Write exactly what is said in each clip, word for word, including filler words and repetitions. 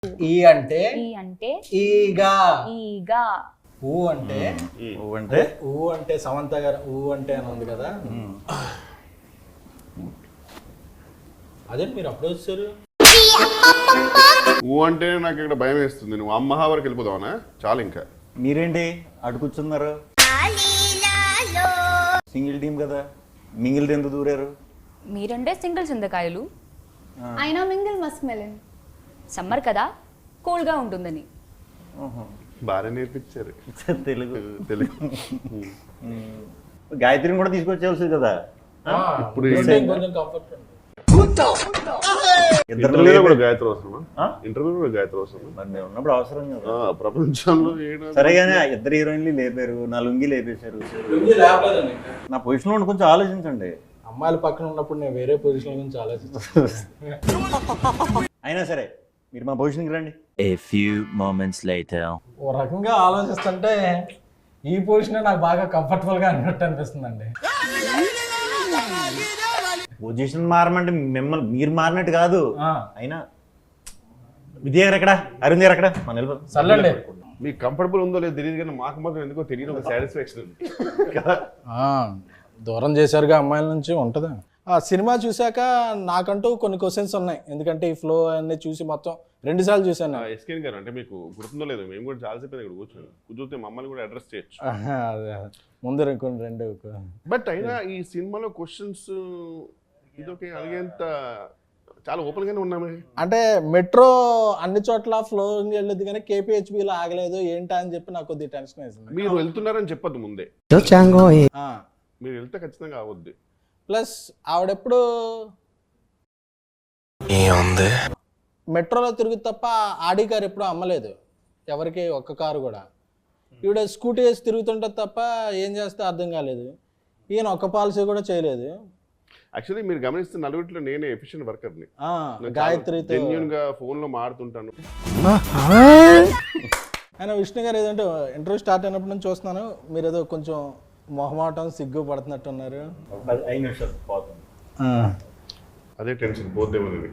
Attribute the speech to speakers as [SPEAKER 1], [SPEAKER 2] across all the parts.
[SPEAKER 1] ఈ అంటే
[SPEAKER 2] ఈ అంటే
[SPEAKER 1] ఈగా.
[SPEAKER 2] ఈగా.
[SPEAKER 1] ఊ అంటే
[SPEAKER 3] ఊ అంటే
[SPEAKER 1] ఊ అంటే సమంత గారు ఊ అంటే అని ఉంది కదా, అదే మీరు అప్పుడు వచ్చారు.
[SPEAKER 3] ఊ అంటే నాకు ఇక్కడ భయం వేస్తుంది. నువ్వు అమ్మహా వరకు వెళ్ళిపోదావనా? చాలు ఇంకా.
[SPEAKER 4] మీరేంటి అటు కూర్చున్నారు? సింగిల్ టీం కదా, మింగిల్ ఎందుకు దూరారు?
[SPEAKER 2] మీరంటే సింగిల్ చింతకాయలు,
[SPEAKER 5] అయినా మింగిల్ మస్క్ మెలన్.
[SPEAKER 2] సమ్మర్ కదా కూల్గా ఉంటుందని.
[SPEAKER 3] బాగా నేర్పించారు
[SPEAKER 4] తెలుగు
[SPEAKER 3] తెలుగు.
[SPEAKER 4] గాయత్రిని కూడా తీసుకొచ్చేవాల్సింది కదా.
[SPEAKER 3] ఇప్పుడు
[SPEAKER 1] కొంచెం కంఫర్ట్ ఉంది.
[SPEAKER 3] ఇంటర్వ్యూలో కూడా గాయత్రి అవసరమా? ఇంటర్వ్యూలో కూడా గాయత్రి అవసరమా?
[SPEAKER 4] మరి మేము ఉన్నప్పుడు అవసరం కదా.
[SPEAKER 3] ప్రపంచంలో ఏడా
[SPEAKER 4] సరేగానే ఇద్దరు హీరోయిన్లు లేపారు, నా లుంగి లేపేశారు. నా పొజిషన్లో ఉండి కొంచెం ఆలోచించండి.
[SPEAKER 1] అమ్మాయిల పక్కన ఉన్నప్పుడు నేను వేరే పొజిషన్ గురించి ఆలోచిస్తాను.
[SPEAKER 4] అయినా సరే మీరు మా పొజిషన్కి రండి.
[SPEAKER 6] A few moments later.
[SPEAKER 1] ఓ రకంగా ఆలోచిస్తుంటే ఈ పొజిషన్ నాకు బాగా కంఫర్టబుల్ గా అన్నట్టు అనిపిస్తుందండి.
[SPEAKER 4] పొజిషన్ మారమంటే మిమ్మల్ని మీరు మారినట్టు కాదు.
[SPEAKER 1] ఆ,
[SPEAKER 4] అయినా విద్య గారు ఎక్కడ, అరుణ్ గారు ఎక్కడ? మన వెళ్ళిపోతాం.
[SPEAKER 1] సర్లేండి.
[SPEAKER 3] మీకు కంఫర్టబుల్ ఉందో లేదో తెలియదు కానీ మాకు మాత్రం ఎందుకో తెలియదు ఒక సాటిస్ఫాక్షన్ ఉంది కదా.
[SPEAKER 1] ఆ, దూరం చేశారుగా అమ్మాయిల నుంచి ఉంటుందా? ఆ సినిమా చూశాక నాకంటూ కొన్ని క్వశ్చన్స్ ఉన్నాయి, ఎందుకంటే ఈ ఫ్లో అన్ని చూసి మొత్తం రెండు సార్లు చూశాను.
[SPEAKER 3] ఎస్కేన్ గారు అంటే మీకు గుర్తుందో లేదో, మేము కూడా చాలాసేపు ఇక్కడ కూర్చొని కూర్చొస్తే మమ్మల్ని కూడా అడ్రస్ చేయొచ్చు.
[SPEAKER 1] ఆహా, అదే. ముందు కొన్ని రెండు
[SPEAKER 3] బట్ అయినా ఈ సినిమాలో క్వశ్చన్స్ ఇదొకే అడిగేంత చాలా ఓపెన్ గానే ఉన్నామే.
[SPEAKER 1] అంటే మెట్రో అన్ని చోట్ల ఫ్లో వెళ్ళదు కానీ కేపీహెచ్బిలో ఆగలేదు ఏంటా అని చెప్పి నాకు కొద్దిగా టెన్షన్ వేసింది.
[SPEAKER 3] మీరు వెళ్తున్నారని చెప్పొద్దు ముందే,
[SPEAKER 1] ఆ,
[SPEAKER 3] మీరు వెళ్తే ఖచ్చితంగా అవద్దు.
[SPEAKER 1] ప్లస్ ఆవిడెప్పుడు మెట్రోలో తిరుగుతు తప్ప ఆడి కారు ఎప్పుడు అమ్మలేదు ఎవరికి, ఒక్క కారు కూడా. ఈవిడ స్కూటీ వేసి తిరుగుతుంటుంది తప్ప ఏం చేస్తే అర్థం కాలేదు. ఈయన ఒక్క పాలసీ కూడా చేయలేదు.
[SPEAKER 3] యాక్చువల్లీ మీరు గమనిస్తే నలుగురిలో నేనే ఎఫిషియెంట్ వర్కర్ని.
[SPEAKER 1] గాయత్రితో
[SPEAKER 3] జెన్యూన్ గా ఫోన్ లో మాడుతుంటాను.
[SPEAKER 1] ఆయన విష్ణు గారు ఏదంటే ఇంటర్వ్యూ స్టార్ట్ అయినప్పటి నుంచి చూస్తున్నాను, మీరు ఏదో కొంచెం మొహమాటం సిగ్గు పడుతున్నట్టున్నారు.
[SPEAKER 4] ఐదు నిమిషాలు పోతుంది.
[SPEAKER 3] అదే టెన్షన్ పోద్దేమని.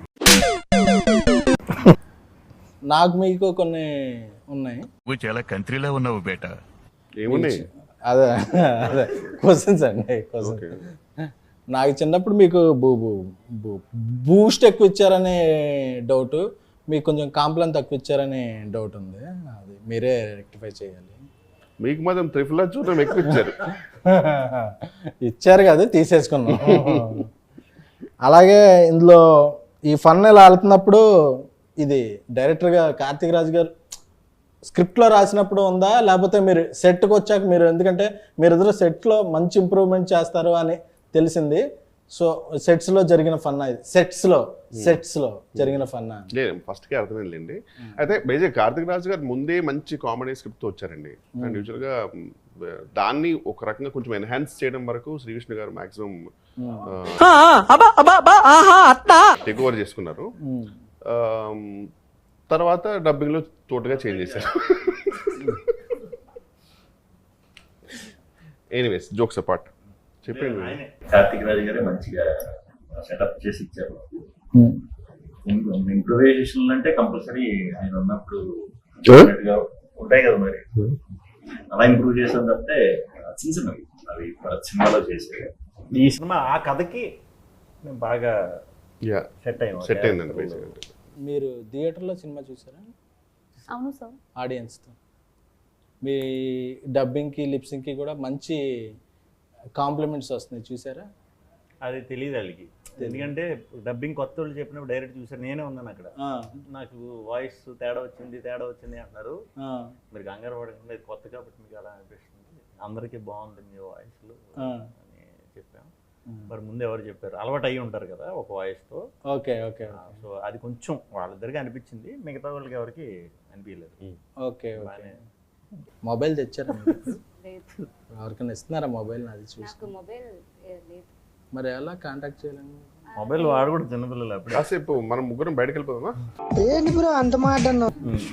[SPEAKER 1] నాకు మీకు కొన్ని ఉన్నాయి.
[SPEAKER 7] నువ్వు చాలా కంట్రీలో ఉన్నావు బేటా.
[SPEAKER 3] ఏమున్నాయి?
[SPEAKER 1] అదే అదే క్వశ్చన్స్ అండి, క్వశ్చన్స్. నాకు చిన్నప్పుడు మీకు బూ బూ బూస్ట్ ఎక్కువ ఇచ్చారనే డౌట్, మీకు కొంచెం కాంప్లైన్ తక్కువ ఇచ్చారనే డౌట్ ఉంది, అది మీరే రెక్టిఫై చేయాలి.
[SPEAKER 3] మీకు మాత్రం త్రిఫుల్ చూడడం ఎక్కువ ఇచ్చారు.
[SPEAKER 1] ఇచ్చారు కదా, తీసేసుకున్నాం. అలాగే ఇందులో ఈ ఫన్ ఇలా వెళ్తున్నప్పుడు ఇది డైరెక్టర్గా కార్తీక్ రాజు గారు స్క్రిప్ట్లో రాసినప్పుడు ఉందా, లేకపోతే మీరు సెట్కి వచ్చాక మీరు, ఎందుకంటే మీరు ఎదురు సెట్లో మంచి ఇంప్రూవ్మెంట్ చేస్తారు అని తెలిసింది, సో సెట్స్లో జరిగిన ఫన్నా ఇది, సెట్స్లో సెట్స్లో జరిగిన ఫన్నా?
[SPEAKER 3] లేదు, ఫస్ట్కే అర్థమైందండి. అయితే బేజే కార్తిక్ రాజు గారు ముందే మంచి కామెడీ స్క్రిప్ట్తో వచ్చారండి. అండ్ యూజువల్గా దాన్ని ఒక రకంగా కొంచెం ఎన్హాన్స్ చేయడం వరకు శ్రీ విష్ణు గారు మాక్సిమం టేక్ ఓవర్ చేసుకున్నారు. తర్వాత డబ్బింగ్లో తోటగా చేంజ్ చేశారు. ఎనీవేస్, జోక్స్ అపార్ట్ చెప్పండి.
[SPEAKER 4] కార్తిక్ రాజు గారే మంచిగా సెటప్ చేసి ఇచ్చారు. ఇంప్రూవైజేషన్ అంటే కంపల్సరీ ఆయన ఉన్నప్పుడు ఉంటాయి కదా, మరి అలా ఇంప్రూవ్ చేసాం తప్పితే చిన్న చిన్నవి అవి సినిమాలో చేసే. ఈ సినిమా ఆ కథకి బాగా సెట్ అయ్యాం,
[SPEAKER 3] సెట్ అయిందండి బేసిక్గా.
[SPEAKER 1] మీరు థియేటర్లో సినిమా చూసారా?
[SPEAKER 2] అవును సార్.
[SPEAKER 1] ఆడియన్స్తో మీ డబ్బింగ్కి లిప్సింగ్కి కూడా మంచి కాంప్లిమెంట్స్ వస్తున్నాయి, చూసారా?
[SPEAKER 4] అది తెలియదు వాళ్ళకి, ఎందుకంటే డబ్బింగ్ కొత్త వాళ్ళు చెప్పినప్పుడు డైరెక్ట్ చూసారు. నేనే ఉన్నాను అక్కడ, నాకు వాయిస్ తేడా వచ్చింది తేడా వచ్చింది అంటున్నారు. మీరు కంగారు పడకుండా ఇది కొత్త కాబట్టి మీకు అలా అనిపిస్తుంది, అందరికీ బాగుంది మీ వాయిస్లు అని చెప్పాం. మరి ముందు ఎవరు చెప్పారు, అలవాటు అయ్యి ఉంటారు కదా ఒక వాయిస్తో.
[SPEAKER 1] ఓకే ఓకే
[SPEAKER 4] సో అది కొంచెం వాళ్ళిద్దరికి అనిపించింది, మిగతా వాళ్ళకి ఎవరికి అనిపించలేదు.
[SPEAKER 1] Okay okay. మొబైల్ తెచ్చారా? ఎవరికైనా ఇస్తున్నారా మొబైల్? అది చూసి
[SPEAKER 2] మొబైల్ లేదు,
[SPEAKER 1] మరి ఎలా కాంటాక్ట్ చేయాలని?
[SPEAKER 4] మొబైల్ వాడు కూడా చిన్నపిల్లలు.
[SPEAKER 3] కాసేపు మనం ముగ్గురం బయటకు వెళ్ళిపోదామా?
[SPEAKER 8] ఏంటి బ్రో అంత మాట అన్నావు?